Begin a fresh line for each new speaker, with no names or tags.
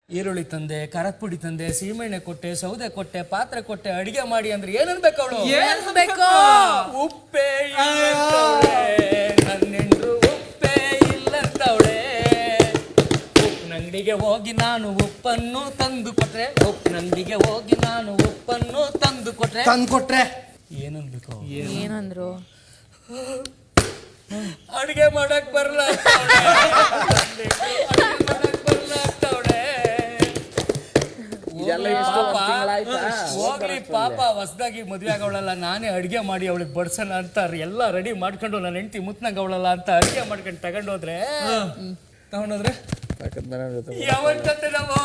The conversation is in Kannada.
ಈರುಳ್ಳಿ ತಂದೆ, ಖಾರದ ಪುಡಿ ತಂದೆ, ಸೀಮೆಣ್ಣೆ ಕೊಟ್ಟೆ, ಸೌದೆ ಕೊಟ್ಟೆ, ಪಾತ್ರೆ ಕೊಟ್ಟೆ, ಅಡಿಗೆ ಮಾಡಿ ಅಂದ್ರೆ ಏನನ್ಬೇಕು ಅವಳು? ಉಪ್ಪೇ ಇಲ್ಲಂತವಳೆ, ನನ್ನೆಂಡ್ರು ಉಪ್ಪೇ ಇಲ್ಲಂತವಳೆ. ಉಪ್ಪಿನಂಗಡಿಗೆ ಹೋಗಿ ನಾನು ಉಪ್ಪನ್ನು ತಂದು ಕೊಟ್ರೆ, ಉಪ್ಪಿನಂಗಡಿಗೆ ಹೋಗಿ ನಾನು ಉಪ್ಪನ್ನು ತಂದು ಕೊಟ್ರೆ ಏನನ್ಬೇಕು?
ಏನಂದ್ರು?
ಅಡಿಗೆ ಮಾಡಕ್ ಬರಲ್ಲ ಹೋಗ್ಲಿ ಪಾಪ, ಹೊಸದಾಗಿ ಮದ್ವೆ ಆಗವಳಲ್ಲ, ನಾನೇ ಅಡಿಗೆ ಮಾಡಿ ಅವಳಿಗೆ ಬಡ್ಸೋಣ ಅಂತ ಎಲ್ಲ ರೆಡಿ ಮಾಡ್ಕೊಂಡು ನನ್ನ ಹೆಂಡತಿ ಮುತ್ನಾಗ ಅವಳಲ್ಲ ಅಂತ ಅಡಿಗೆ ಮಾಡ್ಕೊಂಡು ತಗೊಂಡೋದ್ರೆ ಯಾವತ್ತಂತೆ ನಾವು